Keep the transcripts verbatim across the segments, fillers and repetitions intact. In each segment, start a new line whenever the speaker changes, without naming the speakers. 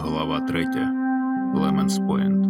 Глава третя. Леменс Пойнт.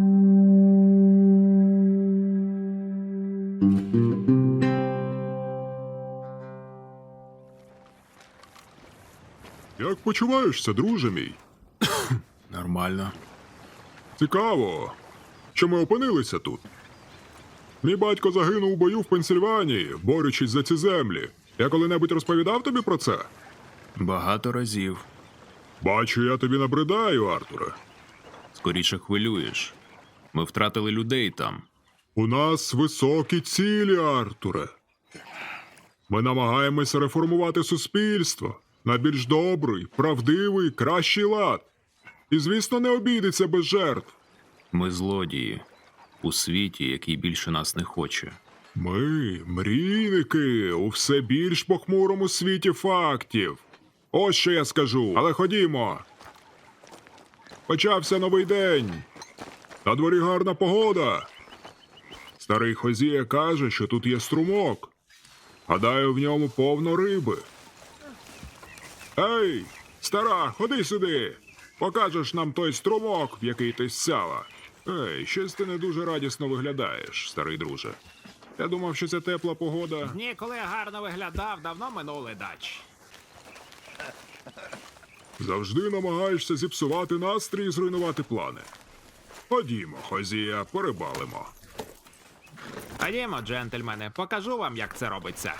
Як почуваєшся, друже мій?
Нормально.
Цікаво, що ми опинилися тут. Мій батько загинув у бою в Пенсильванії, борючись за ці землі. Я коли-небудь розповідав тобі про це?
Багато разів.
Бачу, я тобі набридаю, Артуре.
Скоріше хвилюєш. Ми втратили людей там.
У нас високі цілі, Артуре. Ми намагаємося реформувати суспільство на більш добрий, правдивий, кращий лад. І, звісно, не обійдеться без жертв.
Ми злодії. У світі, який більше нас не хоче.
Ми – мрійники у все більш похмурому світі фактів. Ось що я скажу, але ходімо. Почався новий день. На дворі гарна погода. Старий Хозія каже, що тут є струмок. Гадаю, в ньому повно риби. Ей, стара, ходи сюди. Покажеш нам той струмок, в який ти ссяла. Ей, щось ти не дуже радісно виглядаєш, старий друже. Я думав, що ця тепла погода...
Дні, коли я гарно виглядав, давно минули, дач.
Завжди намагаєшся зіпсувати настрій і зруйнувати плани. Ходімо, Хозія, порибалимо.
Ходімо, джентльмени, покажу вам, як це робиться.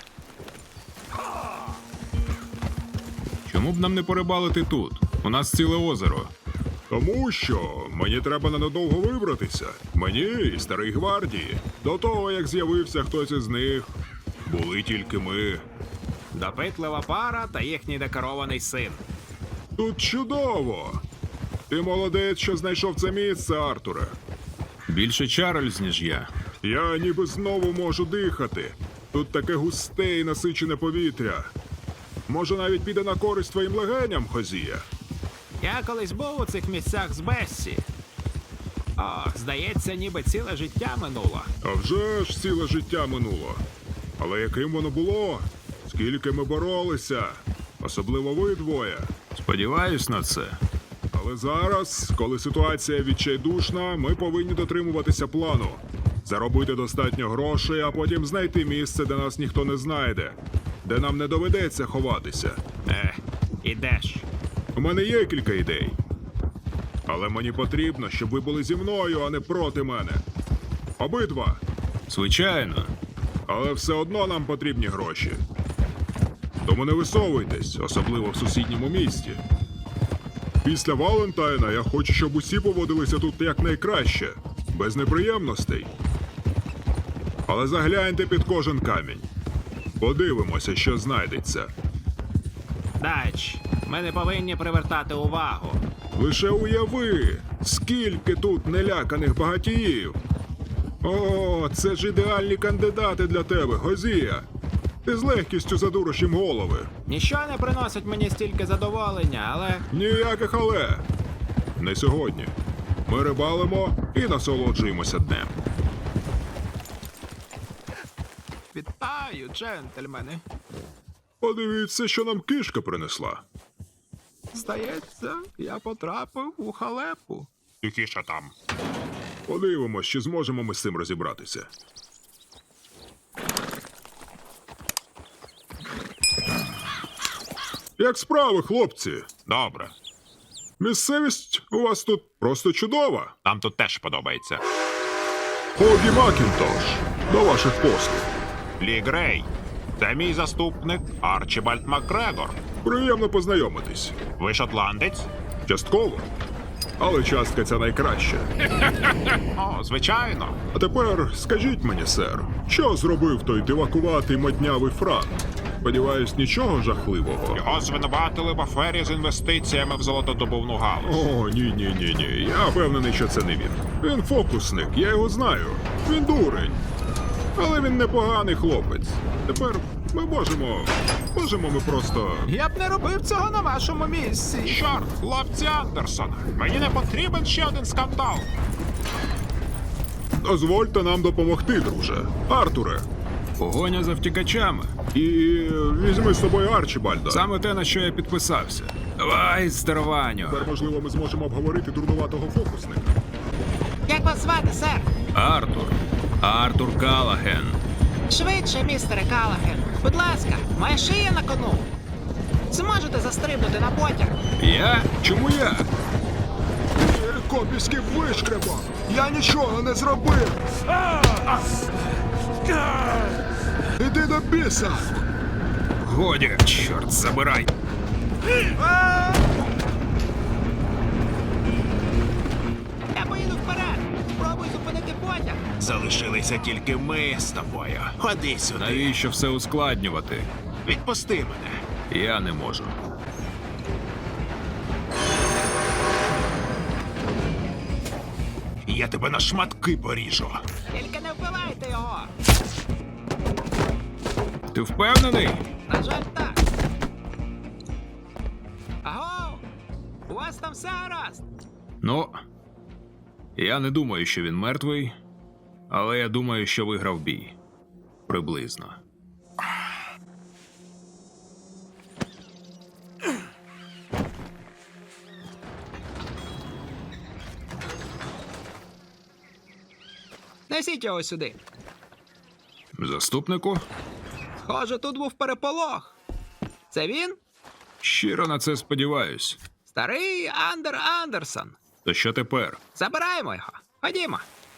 Чому б нам не порибалити тут? У нас ціле озеро.
Тому що мені треба ненадовго вибратися. Мені і старій гвардії. До того, як з'явився хтось із них, були тільки ми.
Допитлива пара та їхній декорований син.
Тут чудово! Ти молодець, що знайшов це місце, Артуре.
Більше Чарльз, ніж я.
Я ніби знову можу дихати. Тут таке густе і насичене повітря. Може, навіть піде на користь твоїм легеням, Хозія?
Я колись був у цих місцях з Бессі. Ох, здається, ніби ціле життя минуло.
А вже ж ціле життя минуло. Але яким воно було? Скільки ми боролися? Особливо ви двоє.
Сподіваюсь на це.
Але зараз, коли ситуація відчайдушна, ми повинні дотримуватися плану. Заробити достатньо грошей, а потім знайти місце, де нас ніхто не знайде. Де нам не доведеться ховатися.
Ех, ідеш.
У мене є кілька ідей. Але мені потрібно, щоб ви були зі мною, а не проти мене. Обидва.
Звичайно.
Але все одно нам потрібні гроші. Тому не висовуйтесь, особливо в сусідньому місті. Після Валентайна я хочу, щоб усі поводилися тут якнайкраще, без неприємностей. Але загляньте під кожен камінь. Подивимося, що знайдеться.
Дач, ми не повинні привертати увагу.
Лише уяви, скільки тут неляканих багатіїв. О, це ж ідеальні кандидати для тебе, Хозія. Ти з легкістю задуриш їм голови.
Ніщо не приносить мені стільки задоволення, але...
Ніяких але. Не сьогодні. Ми рибалимо і насолоджуємося днем.
Вітаю, джентльмени.
Подивіться, що нам кішка принесла.
Здається, я потрапив у халепу.
Тихіше там. Подивимось, чи зможемо ми з цим розібратися. Як справи, хлопці?
Добре.
Місцевість у вас тут просто чудова.
Нам тут теж подобається.
Хогі Макінтош, до ваших послуг.
Лі Грей. Це мій заступник Арчібальд Макгрегор.
Приємно познайомитись.
Ви шотландець?
Частково. Але частка ця найкраща.
О, звичайно.
А тепер скажіть мені, сер, що зробив той дивакуватий моднявий Франк? Сподіваюсь, нічого жахливого.
Його звинуватили в афері з інвестиціями в золотодобувну галузь.
О, ні-ні-ні-ні. Я впевнений, що це не він. Він фокусник, я його знаю. Він дурень. Але він непоганий хлопець. Тепер ми можемо... Можемо ми просто...
Я б не робив цього на вашому місці.
Чорт, хлопці Андерсона. Мені не потрібен ще один скандал.
Дозвольте нам допомогти, друже. Артуре,
Погоня за втікачами.
І візьми з собою Арчібальда.
Саме те, на що я підписався. Давай, старованю.
Тепер, можливо, ми зможемо обговорити дурнуватого фокусника.
Як вас звати, сер?
Артур. Артур Калаген.
Швидше, містере Калаген. Будь ласка, моя шия на кону. Зможете застрибнути на потяг?
Я? Чому я?
Копівський вишкреба! Я нічого не зробив! Іди до біса!
Годі, чорт, забирай.
Я поїду вперед. Спробуй зупинити потяг.
Залишилися тільки ми з тобою. Ходи сюди.
Навіщо все ускладнювати?
Відпусти мене.
Я не можу.
Я тебе на шматки поріжу.
Тільки не вбивайте його.
Ти впевнений?
На жаль, так. Аго! У вас там все гаразд?
Ну, я не думаю, що він мертвий, але я думаю, що виграв бій. Приблизно.
Несіть його сюди.
Заступнику?
Схоже, тут був переполох. Це він?
Щиро на це сподіваюсь.
Старий Андер Андерсон.
То що тепер?
Забираємо його. Ходімо.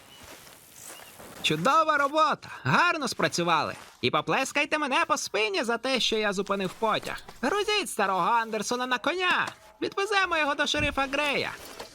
Чудова робота. Гарно спрацювали. І поплескайте мене по спині за те, що я зупинив потяг. Грузіть старого Андерсона на коня. Відвеземо його до шерифа Грея.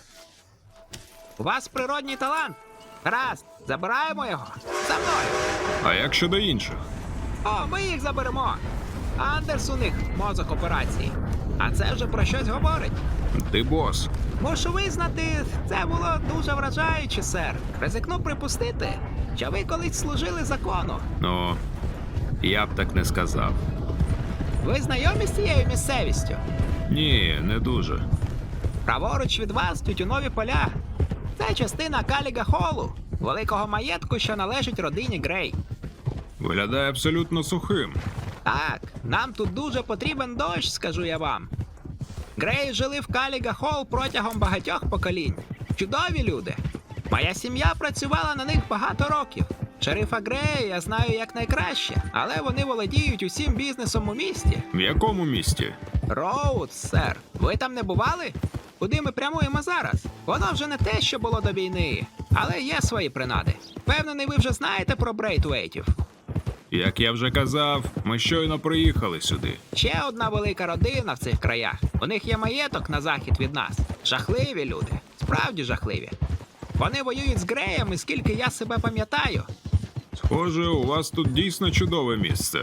У вас природній талант. Раз, забираємо його. За мною.
А як щодо інших?
О, ми їх заберемо. Андерс у них мозок операції. А це вже про щось говорить.
Ти бос.
Мушу визнати, це було дуже вражаюче, сер. Ризикну припустити, що ви колись служили закону.
Ну, я б так не сказав.
Ви знайомі з цією місцевістю?
Ні, не дуже.
Праворуч від вас тютюнові поля. Це частина Каліга Холу, великого маєтку, що належить родині Грей.
Виглядає абсолютно сухим.
Так, нам тут дуже потрібен дощ, скажу я вам. Греї жили в Каліга Холл протягом багатьох поколінь. Чудові люди. Моя сім'я працювала на них багато років. Шерифа Грея я знаю якнайкраще, але вони володіють усім бізнесом у місті.
В якому місті?
Роуд, сер. Ви там не бували? Куди ми прямуємо зараз? Воно вже не те, що було до війни, але є свої принади. Впевнений, ви вже знаєте про Брейтвейтів.
Як я вже казав, ми щойно приїхали сюди.
Ще одна велика родина в цих краях. У них є маєток на захід від нас. Жахливі люди. Справді жахливі. Вони воюють з Греями, скільки я себе пам'ятаю.
Схоже, у вас тут дійсно чудове місце.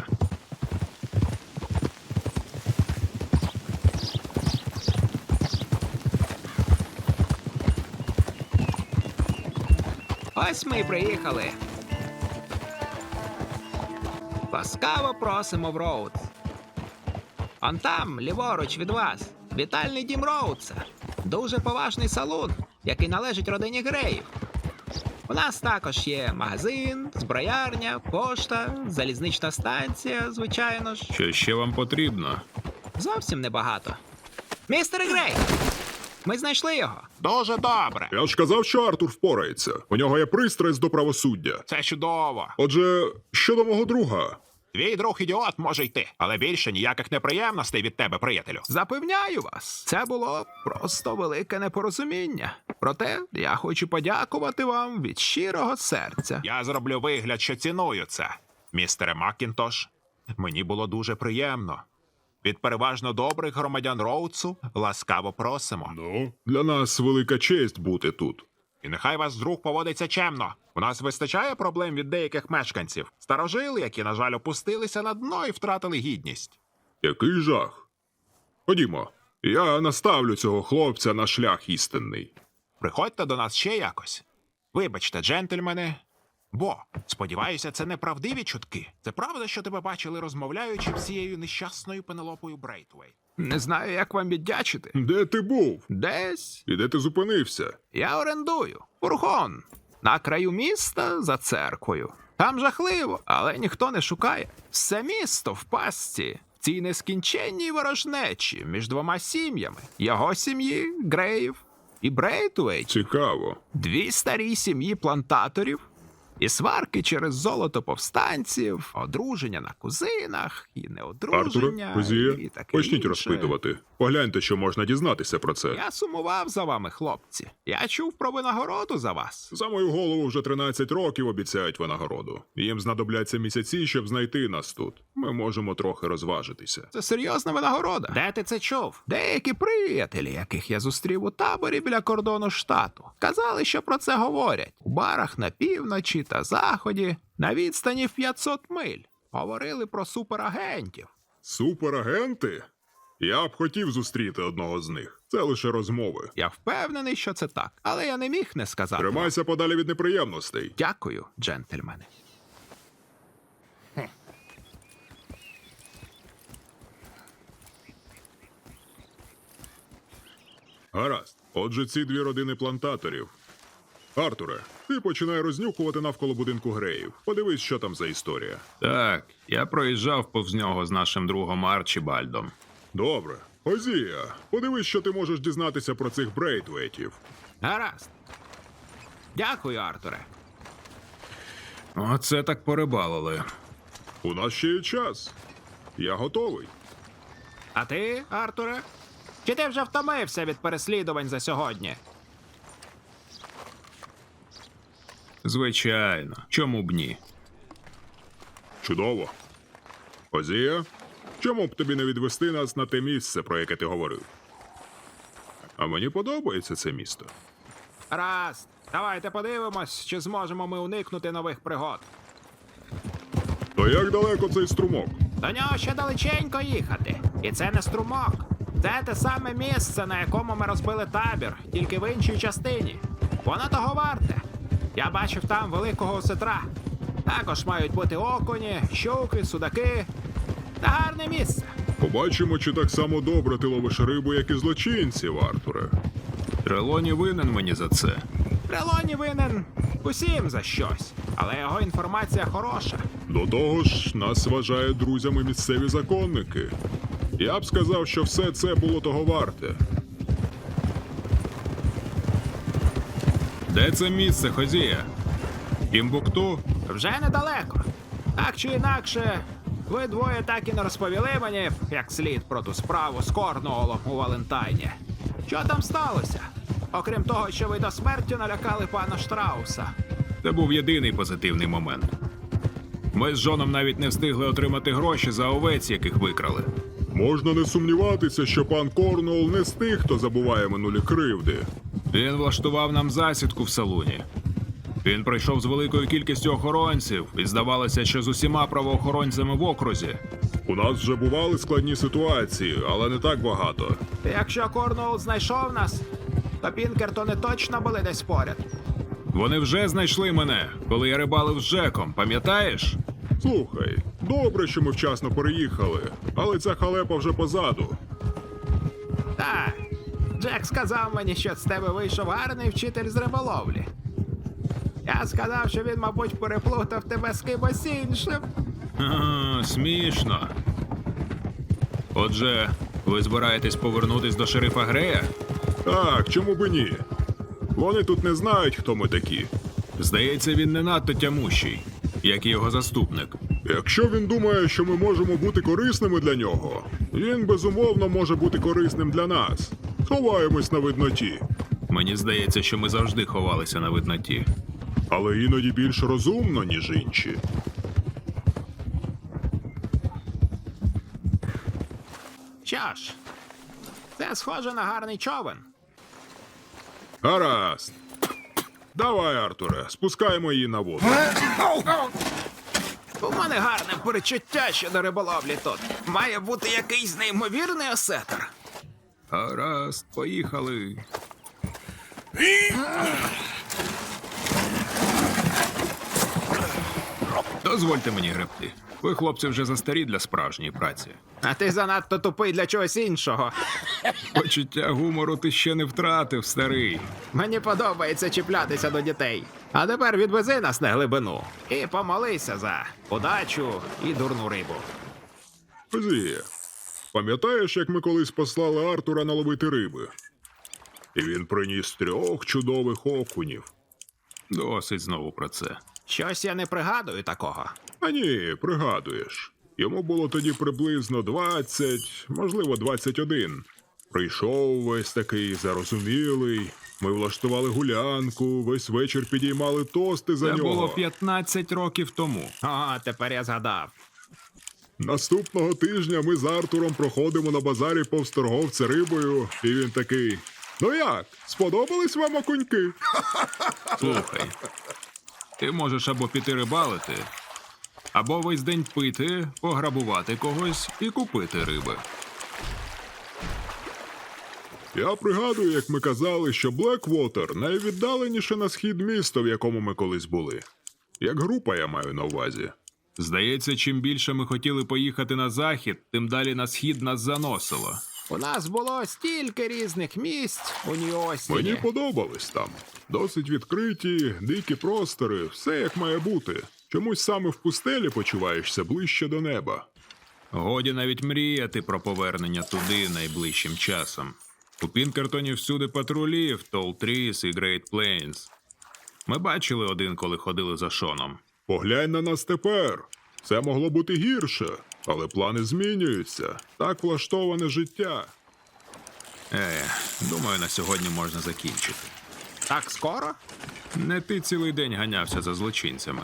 Ось ми й приїхали. Ласкаво просимо в Роудс. Он там, ліворуч від вас, вітальний дім Роудса. Дуже поважний салон, який належить родині Греїв. У нас також є магазин, зброярня, пошта, залізнична станція, звичайно ж.
Що ще вам потрібно?
Зовсім небагато. Містер Грей! Ми знайшли його.
Дуже добре.
Я ж казав, що Артур впорається. У нього є пристрасть до правосуддя.
Це чудово.
Отже, щодо мого друга.
Твій друг ідіот може йти, але більше ніяких неприємностей від тебе, приятелю.
Запевняю вас, це було просто велике непорозуміння. Проте я хочу подякувати вам від щирого серця.
Я зроблю вигляд, що ціную це. Містере Маккінтош, мені було дуже приємно. Від переважно добрих громадян Роудсу ласкаво просимо.
Ну, для нас велика честь бути тут.
І нехай вас друг поводиться чемно. У нас вистачає проблем від деяких мешканців. Старожили, які, на жаль, опустилися на дно і втратили гідність.
Який жах. Ходімо, я наставлю цього хлопця на шлях істинний.
Приходьте до нас ще якось. Вибачте, джентльмени. Бо, сподіваюся, це не правдиві чутки. Це правда, що тебе бачили, розмовляючи з цією нещасною Пенелопою Брейтвейт?
Не знаю, як вам віддячити.
Де ти був?
Десь
І де ти зупинився?
я орендую фургон на краю міста за церквою. Там жахливо, але ніхто не шукає. Все місто в пастці. В цій нескінченній ворожнечі між двома сім'ями. Його сім'ї, Греїв, і Брейтвейт.
Цікаво.
Дві старі сім'ї плантаторів. І сварки через золото повстанців, одруження на кузинах, і неодруження,
Артуре, Хозія,
і таке
почніть
інше.
розпитувати. Погляньте, що можна дізнатися про це.
Я сумував за вами, хлопці. Я чув про винагороду за вас.
За мою голову вже тринадцять років обіцяють винагороду. Їм знадобляться місяці, щоб знайти нас тут. Ми можемо трохи розважитися.
Це серйозна винагорода.
Де ти це чув?
Деякі приятелі, яких я зустрів у таборі біля кордону штату, казали, що про це говорять. У барах на півночі та заході, на відстані в п'ятсот миль. Говорили про суперагентів.
Суперагенти? Я б хотів зустріти одного з них. Це лише розмови.
Я впевнений, що це так, але я не міг не сказати. вам.
Тримайся подалі від неприємностей.
Дякую, джентльмени.
Гаразд. Отже, ці дві родини плантаторів. Артуре, ти починай рознюхувати навколо будинку Греїв. Подивись, що там за історія.
Так, я проїжджав повз нього з нашим другом Арчібальдом.
Добре. Хозія, подивись, що ти можеш дізнатися про цих Брейтвейтів.
Гаразд. Дякую, Артуре.
Оце так порибалили.
У нас ще є час. Я готовий.
А ти, Артуре? Чи ти вже втомився від переслідувань за сьогодні?
Звичайно, чому б ні?
Чудово. Хозія, чому б тобі не відвести нас на те місце, про яке ти говорив? А мені подобається це місто.
Раз. Давайте подивимось, чи зможемо ми уникнути нових пригод.
То як далеко цей струмок?
До нього ще далеченько їхати. І це не струмок. Це те саме місце, на якому ми розбили табір, тільки в іншій частині. Воно того варте. Я бачив там великого осетра. Також мають бути окуні, щуки, судаки. Та гарне місце.
Побачимо, чи так само добре ти ловиш рибу, як і злочинців, Артуре.
Трелоні винен мені за це.
Трелоні винен усім за щось, але його інформація хороша.
До того ж, нас вважають друзями місцеві законники. Я б сказав, що все це було того варте.
Де це місце, Хозія? Тімбукту?
Вже недалеко. Так чи інакше, ви двоє так і не розповіли мені, як слід про ту справу з Корнуолом у Валентайні. Що там сталося? Окрім того, що ви до смерті налякали пана Штрауса.
Це був єдиний позитивний момент. Ми з Джоном навіть не встигли отримати гроші за овець, яких викрали.
Можна не сумніватися, що пан Корнуол не з тих, хто забуває минулі кривди.
Він влаштував нам засідку в салуні. Він прийшов з великою кількістю охоронців, і здавалося, що з усіма правоохоронцями в окрузі.
У нас вже бували складні ситуації, але не так багато.
Якщо Корнуол знайшов нас, то Пінкертони точно були десь поряд.
Вони вже знайшли мене, коли я рибалив з Джеком, пам'ятаєш?
Слухай, добре, що ми вчасно переїхали, але ця халепа вже позаду.
Так, Джек сказав мені, що з тебе вийшов гарний вчитель з риболовлі. Я сказав, що він, мабуть, переплутав тебе з кимось іншим.
Ага, смішно. Отже, ви збираєтесь повернутись до шерифа Грея?
Так, чому би ні? Вони тут не знають, хто ми такі.
Здається, він не надто тямущий, як і його заступник.
Якщо він думає, що ми можемо бути корисними для нього, він безумовно може бути корисним для нас. Ховаємось на видноті,
Мені здається, що ми завжди ховалися на видноті.
але іноді більш розумно, ніж інші.
Що ж, це схоже на гарний човен.
Гаразд. Давай, Артуре, спускаємо її на воду.
У мене гарне перечуття щодо риболовлі тут. Має бути якийсь неймовірний осетр.
Гаразд, поїхали. Дозвольте мені гребти. Ви, хлопці, вже застарі для справжньої праці.
А ти занадто тупий для чогось іншого.
Почуття гумору ти ще не втратив, старий.
Мені подобається чіплятися до дітей. А тепер відвези нас на глибину. І помолися за удачу і дурну рибу.
Зі, пам'ятаєш, як ми колись послали Артура наловити риби? І він приніс трьох чудових окунів.
Досить знову про це.
Щось я не пригадую такого.
А ні, пригадуєш. Йому було тоді приблизно двадцять, можливо, двадцять один. Прийшов весь такий зарозумілий. Ми влаштували гулянку, весь вечір підіймали тости за
Це
нього.
було п'ятнадцять років тому.
О, тепер я згадав.
Наступного тижня ми з Артуром проходимо на базарі повз торговця рибою, і він такий: ну як, сподобались вам окуньки?
Слухай, ти можеш або піти рибалити, або весь день пити, пограбувати когось і купити риби.
Я пригадую, як ми казали, що Блеквотер найвіддаленіше на схід місто, в якому ми колись були. Як група, я маю на увазі.
Здається, чим більше ми хотіли поїхати на захід, тим далі на схід нас заносило.
У нас було стільки різних місць у Нью-Остіні.
Мені подобались там. Досить відкриті, дикі простори, все як має бути. Чомусь саме в пустелі почуваєшся ближче до неба.
Годі навіть мріяти про повернення туди найближчим часом. У Пінкертоні всюди патрулі, в Толтріс і Грейт Плейнс. Ми бачили один, коли ходили за Шоном.
Поглянь на нас тепер. Це могло бути гірше, але плани змінюються. Так влаштоване життя.
Е, думаю, на сьогодні можна закінчити.
Так скоро?
Не ти цілий день ганявся за злочинцями.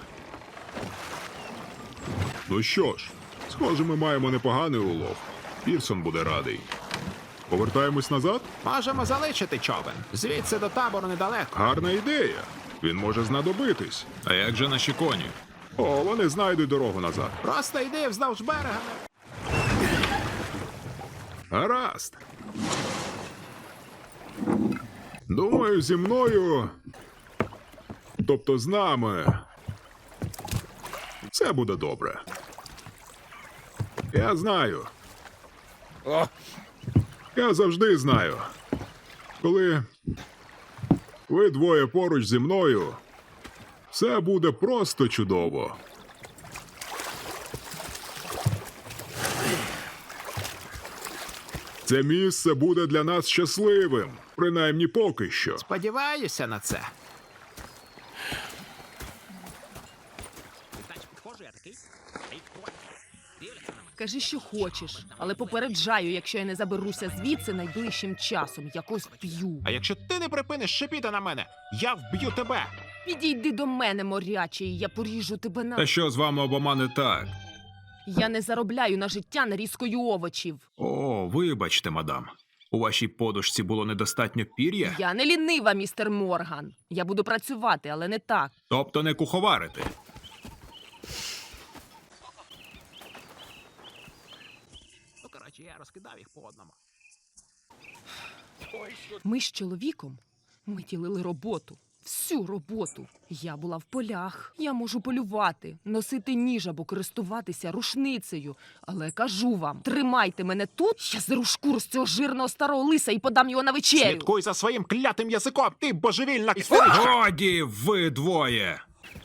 Ну що ж, схоже, ми маємо непоганий улов. Пірсон буде радий. Повертаємось назад?
Можемо залишити човен. Звідси до табору недалеко.
Гарна ідея. Він може знадобитись.
А як же наші коні?
О, вони знайдуть дорогу назад.
Просто йди вздовж берега.
Гаразд. Думаю, зі мною, тобто з нами, все буде добре. Я знаю. Я завжди знаю. Коли ви двоє поруч зі мною, все буде просто чудово. Це місце буде для нас щасливим, принаймні поки що.
Сподіваюся на це.
Кажи, що хочеш, але попереджаю, якщо я не заберуся звідси найближчим часом, якось вб'ю.
А якщо ти не припиниш шипіти на мене, я вб'ю тебе.
Підійди до мене, морячий, я поріжу тебе на.
Та що з вами обома не так?
Я не заробляю на життя нарізкою овочів.
О, вибачте, мадам. У вашій подушці було недостатньо пір'я?
Я не лінива, містер Морган. Я буду працювати, але не так.
Тобто не куховарити?
Ну, коротше, я розкидав їх по одному.
Ми з чоловіком ми ділили роботу. Всю роботу. Я була в полях. Я можу полювати, носити ніж або користуватися рушницею. Але кажу вам, тримайте мене тут, я зеру шкуру з цього жирного старого лиса і подам його на вечерю.
Слідкуй за своїм клятим язиком, ти божевільна ксеричка!
Годі, ви двоє!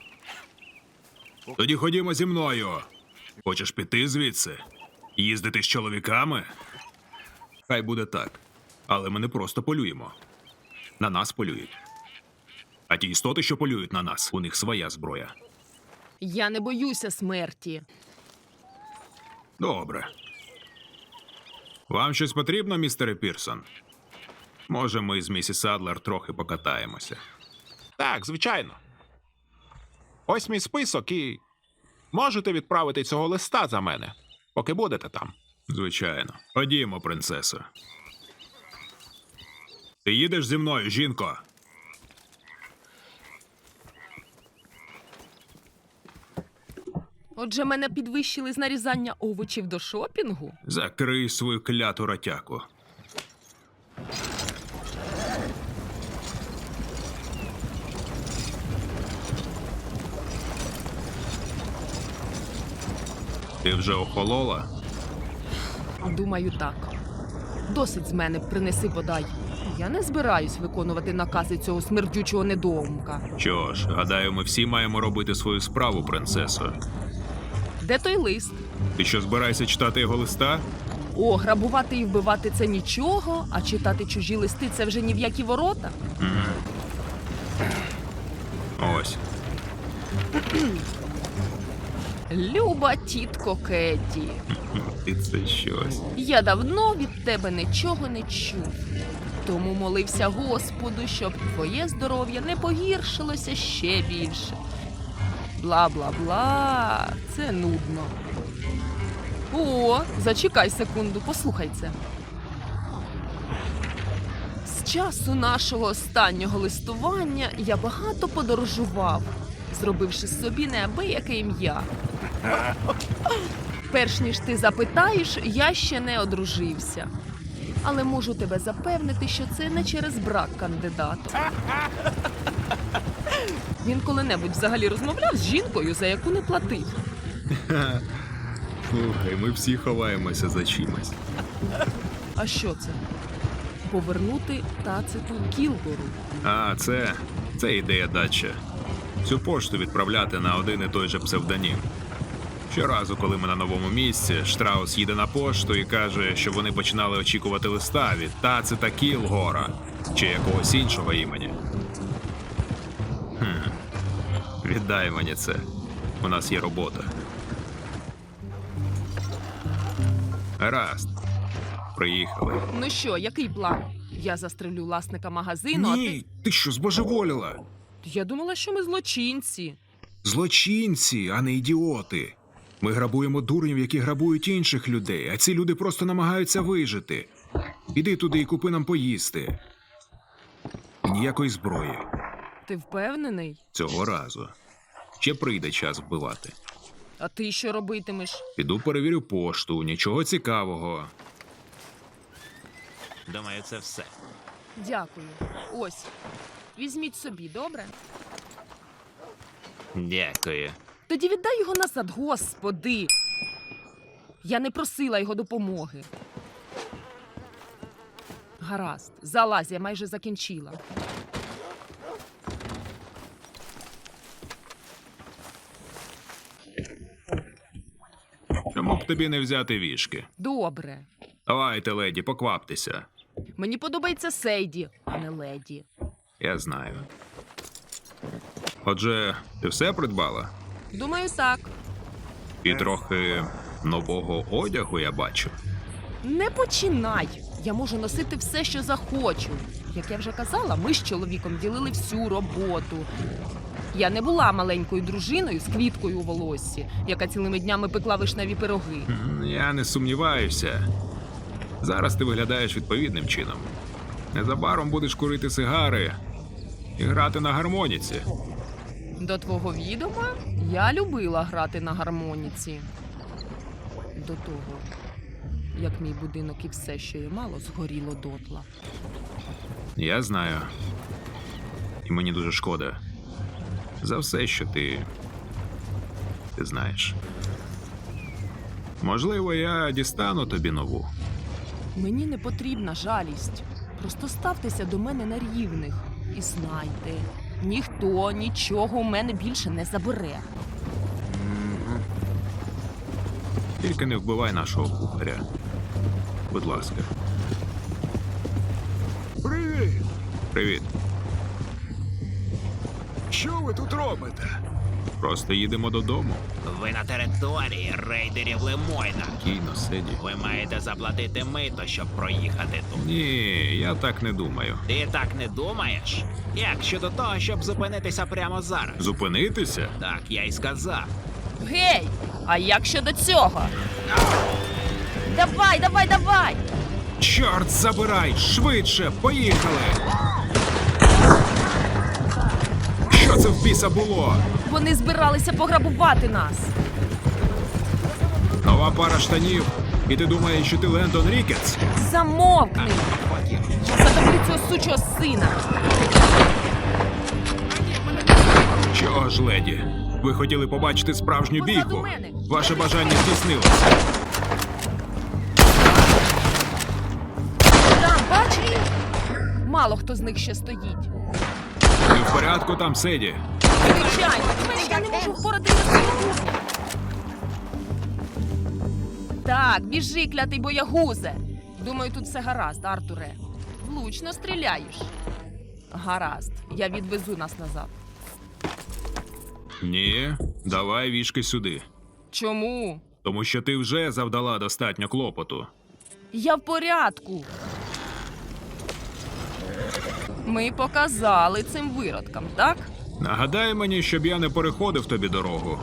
Тоді ходімо зі мною. Хочеш піти звідси? Їздити з чоловіками? Хай буде так. Але ми не просто полюємо. На нас полюють. А ті істоти, що полюють на нас, у них своя зброя.
Я не боюся смерті.
Добре. Вам щось потрібно, містере Пірсон? Може, ми з місіс Адлер трохи покатаємося.
Так, звичайно. Ось мій список і можете відправити цього листа за мене, поки будете там.
Звичайно. Ходімо, принцесо. Ти їдеш зі мною, жінко?
Отже, мене підвищили з нарізання овочів до шопінгу.
Закрий свою кляту ротяку. Ти вже охолола?
Думаю, так. Досить з мене принеси подай. Я не збираюсь виконувати накази цього смердючого недоумка.
Що ж, гадаю, ми всі маємо робити свою справу, принцесо.
Де той лист?
Ти що, збираєшся читати його листа?
О, грабувати і вбивати це нічого, а читати чужі листи це вже ні в які ворота.
Ось.
Люба тітко Кетті,
І це щось.
я давно від тебе нічого не чув. Тому молився Господу, щоб твоє здоров'я не погіршилося ще більше. Бла-бла-бла, це нудно. О, зачекай секунду, послухай це. З часу нашого останнього листування я багато подорожував, зробивши собі неабияке ім'я. Перш ніж ти запитаєш, я ще не одружився. Але можу тебе запевнити, що це не через брак кандидата. Він коли-небудь взагалі розмовляв з жінкою, за яку не платив.
Слухай, ми всі ховаємося за чимось.
А що це? Повернути Тациту Кілгору.
А, це. Це ідея дача. Цю пошту відправляти на один і той же псевдонім. Щоразу, коли ми на новому місці, Штраус їде на пошту і каже, що вони починали очікувати листа від Тацита Кілгора чи якогось іншого імені. Хм. Віддай мені це. У нас є робота. Гаразд. Приїхали.
Ну що, який план? Я застрелю власника магазину, а ти...
Ні, ти що, збожеволіла?
Я думала, що ми злочинці.
Злочинці, а не ідіоти. Ми грабуємо дурнів, які грабують інших людей, а ці люди просто намагаються вижити. Іди туди і купи нам поїсти. І ніякої зброї.
Ти впевнений?
Цього разу. Ще прийде час вбивати.
А ти що робитимеш?
Піду перевірю пошту, нічого цікавого.
Думаю, це все.
Дякую. Ось. Візьміть собі, добре?
Дякую.
Тоді віддай його назад, господи. Я не просила його допомоги. Гаразд, залазь, я майже закінчила.
Чому б тобі не взяти вішки?
Добре.
Давайте, леді, покваптеся.
Мені подобається Сейді, а не леді.
Я знаю. Отже, ти все придбала?
Думаю, так.
І трохи нового одягу я бачу.
Не починай. Я можу носити все, що захочу. Як я вже казала, ми з чоловіком ділили всю роботу. Я не була маленькою дружиною з квіткою у волоссі, яка цілими днями пекла вишневі пироги.
М, Я не сумніваюся. Зараз ти виглядаєш відповідним чином. Незабаром будеш курити сигари і грати на гармоніці.
До твого відома я любила грати на гармоніці. До того, як мій будинок і все, що я мало, згоріло дотла.
Я знаю. І мені дуже шкода. За все, що ти. Ти знаєш. Можливо, я дістану тобі нову.
Мені не потрібна жалість. Просто ставтеся до мене на рівних. І знайте, ніхто нічого у мене більше не забере.
Тільки не вбивай нашого кухаря. Будь ласка.
Привіт!
Привіт.
Що ви тут робите?
Просто їдемо додому.
Ви на території рейдерів Лемойна.
Кійно, Седі.
Ви маєте заплатити мито, щоб проїхати тут.
Ні, я так не думаю.
Ти так не думаєш? Як щодо того, щоб зупинитися прямо зараз?
Зупинитися?
Так, я й сказав.
Гей! А як щодо цього? Давай, давай, давай!
Чорт забирай! Швидше! Поїхали! Що це в біса було?
Вони збиралися пограбувати нас.
Нова пара штанів. І ти думаєш, що ти Лендон Рікетс?
Замовкни! Я задавлю цього сучого сина.
Чого ж, леді? Ви хотіли побачити справжню
Позаду
бійку.
мене.
Ваше бажання здійснилося.
Там, бачите? Мало хто з них ще стоїть.
Ви в порядку там, Седі?
Звичайно, я не можу впоратися з цим дурнем. Так, біжи, клятий боягузе. Думаю, тут все гаразд, Артуре. Влучно стріляєш. Гаразд, я відвезу нас назад.
Ні, давай вішки сюди.
Чому?
Тому що ти вже завдала достатньо клопоту.
Я в порядку. Ми показали цим виродкам, так?
Нагадай мені, щоб я не переходив тобі дорогу.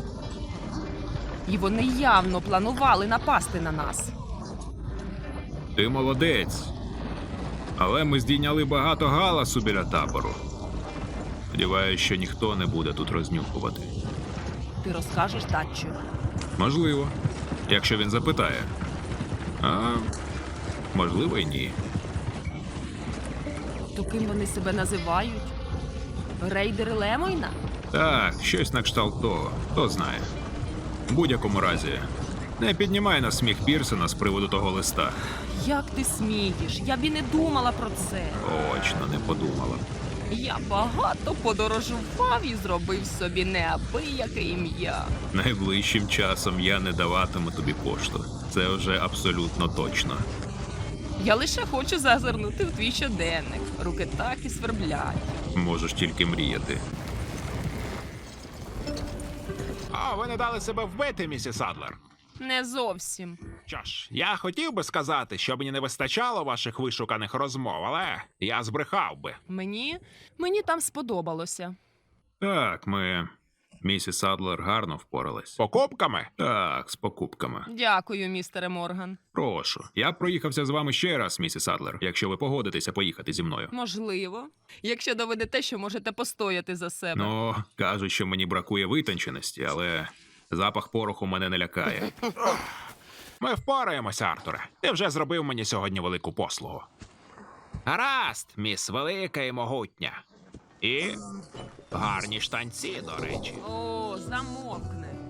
І вони явно планували напасти на нас.
Ти молодець. Але ми здійняли багато галасу біля табору. Сподіваюсь, що ніхто не буде тут рознюхувати.
Ти розкажеш Татчу?
Можливо, якщо він запитає. А можливо, й ні.
То ким вони себе називають? Рейдери Лемойна?
Так, щось на кшталт того, хто знає. В будь-якому разі, не піднімай на сміх Пірсона з приводу того листа.
Як ти смієш? Я б і не думала про це.
Точно не подумала.
Я багато подорожував і зробив собі неабияке ім'я.
Найближчим часом я не даватиму тобі пошту. Це вже абсолютно точно.
Я лише хочу зазирнути в твій щоденник. Руки так і сверблять.
Можеш тільки мріяти.
А, ви не дали себе вбити, місіс Адлер.
Не зовсім.
Що ж, я хотів би сказати, що мені не вистачало ваших вишуканих розмов, але я збрехав би.
Мені. Мені там сподобалося.
Так, ми. Місіс Адлер гарно впоралась.
Покупками?
Так, з покупками.
Дякую, містере Морган.
Прошу. Я б проїхався з вами ще раз, місіс Адлер, якщо ви погодитеся поїхати зі мною.
Можливо. Якщо доведете, що можете постояти за себе.
Ну, кажуть, що мені бракує витонченості, але запах пороху мене не лякає.
Ми впораємося, Артуре. Ти вже зробив мені сьогодні велику послугу. Гаразд, міс велика і могутня. І гарні штанці, до речі.
О, замовкне.